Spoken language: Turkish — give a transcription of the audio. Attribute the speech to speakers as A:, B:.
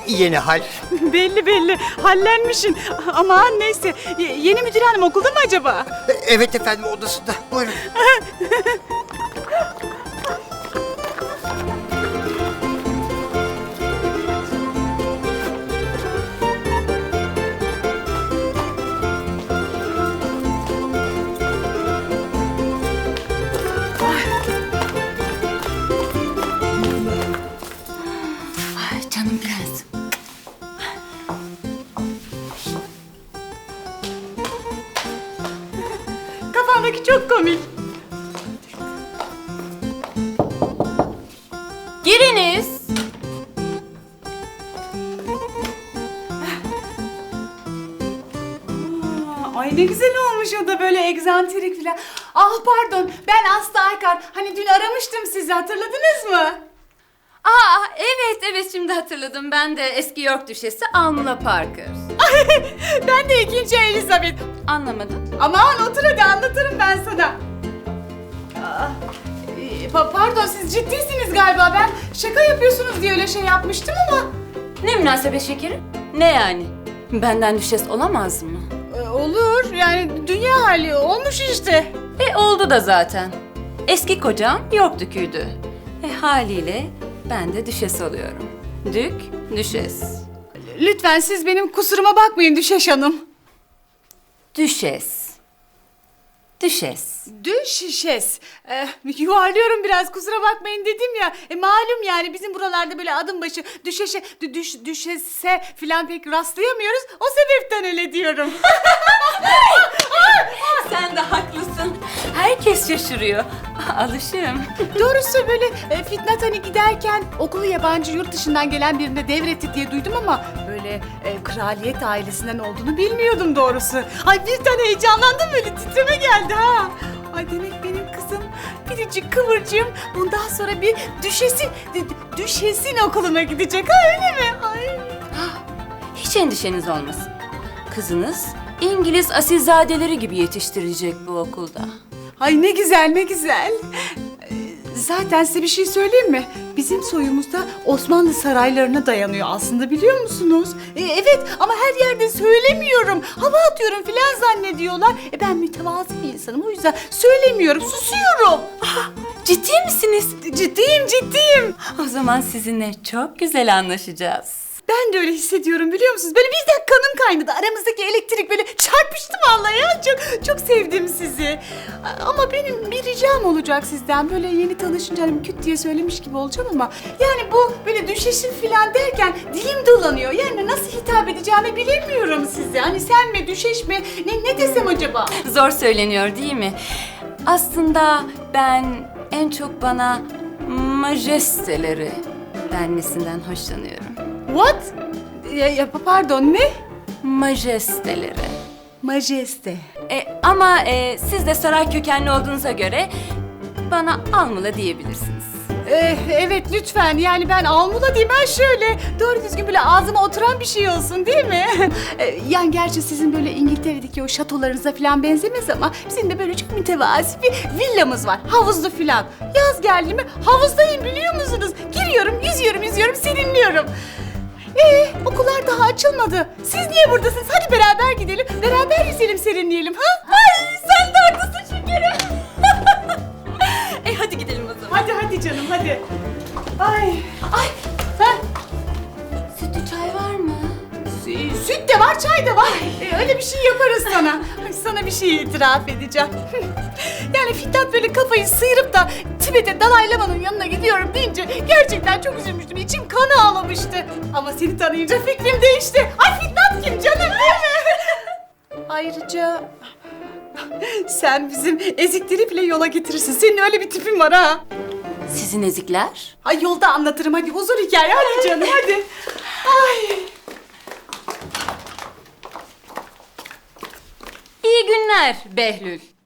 A: Yeni hal.
B: Belli belli. Hallenmişsin. Aman neyse. Yeni müdür hanım okulda mı acaba?
A: Evet efendim, odasında. Buyurun.
C: Ay canım prensim.
B: Kafandaki çok komik.
C: Giriniz.
B: Ay ne güzel olmuş o da böyle egzantrik falan. Ah pardon, ben Aslı Aykar. Hani dün aramıştım sizi, hatırladınız mı?
C: Aa evet şimdi hatırladım. Ben de eski York Düşesi Almula Parker.
B: Ben de ikinci Elizabeth.
C: Anlamadım.
B: Aman otur hadi, anlatırım ben sana. Pardon, siz ciddisiniz galiba. Ben şaka yapıyorsunuz diye öyle şey yapmıştım ama.
C: Ne münasebet şekerim? Ne yani? Benden düşes olamaz mı?
B: Olur yani, dünya hali olmuş işte.
C: Oldu da zaten. Eski kocam York Dükü'ydü. Haliyle ben de düşes oluyorum. Dük, düşes.
B: Lütfen siz benim kusuruma bakmayın Düşeş Hanım.
C: Düşes. Düşes.
B: Düşeş. Yuvarlıyorum biraz, kusura bakmayın dedim ya. Malum yani bizim buralarda böyle adım başı düşeşe, düşese falan pek rastlayamıyoruz. O sebepten öyle diyorum.
C: Sen de haklısın. Herkes şaşırıyor. Alışığım.
B: Doğrusu böyle Fitnat hani giderken okulu yabancı yurt dışından gelen birine devretti diye duydum ama böyle kraliyet ailesinden olduğunu bilmiyordum doğrusu. Ay birden heyecanlandım, böyle titreme geldi ha. Ay demek benim kızım biricik kıvırcığım bundan sonra bir düşesin okuluna gidecek ha, öyle mi? Ay.
C: Hiç endişeniz olmasın. Kızınız İngiliz asilzadeleri gibi yetiştirecek bu okulda.
B: Ay ne güzel ne güzel. Zaten size bir şey söyleyeyim mi? Bizim soyumuzda Osmanlı saraylarına dayanıyor aslında, biliyor musunuz? Evet ama her yerde söylemiyorum. Hava atıyorum filan zannediyorlar. Ben mütevazı bir insanım, o yüzden söylemiyorum, susuyorum.
C: Ciddi misiniz?
B: Ciddiyim.
C: O zaman sizinle çok güzel anlaşacağız.
B: Ben de öyle hissediyorum, biliyor musunuz? Böyle birden kanım kaynadı. Aramızdaki elektrik böyle çarpıştı vallahi ya. Çok sevdim sizi. Ama benim bir ricam olacak sizden. Böyle yeni tanışınca hani küt diye söylemiş gibi olacağım ama yani bu böyle düşeşim falan derken dilim dolanıyor. Yani nasıl hitap edeceğimi bilemiyorum size. Hani sen mi, düşeş mi? Ne desem acaba?
C: Zor söyleniyor değil mi? Aslında ben en çok bana majesteleri denmesinden hoşlanıyorum.
B: What? Pardon, ne?
C: Majesteleri.
B: Majeste.
C: Ama siz de saray kökenli olduğunuza göre bana Almula diyebilirsiniz.
B: Evet lütfen, yani ben Almula diyeyim, ben şöyle doğru düzgün böyle ağzıma oturan bir şey olsun değil mi? Yani gerçi sizin böyle İngiltere'deki o şatolarınıza falan benzemez ama bizim de böyle çok mütevazi bir villamız var, havuzlu falan. Yaz geldi mi havuzdayım, biliyor musunuz? Giriyorum, yüzüyorum, serinliyorum. Okullar daha açılmadı. Siz niye buradasınız? Hadi beraber gidelim, beraber yüzelim, serinleyelim ha?
C: Ay sen de haklısın şekerim. Hadi gidelim o zaman.
B: Hadi canım, hadi. Ay.
C: Sütlü çay var mı?
B: Süt de var, çay da var. Öyle bir şey yaparız sana. Ay, sana bir şey itiraf edeceğim. Yani Fitnat böyle kafayı sıyırıp da Tibet'e Dalai Lama'nın yanına gidiyorum deyince gerçekten çok üzülmüştüm. İçim kan ağlamıştı. Ama seni tanıyınca fikrim değişti. Ay Fitnat kim canım, değil mi? Ayrıca sen bizim ezikleri bile yola getirirsin. Senin öyle bir tipin var ha.
C: Sizin ezikler?
B: Ay yolda anlatırım, hadi huzur hikaye, hadi canım hadi. Ay.
C: İyi günler Behlül.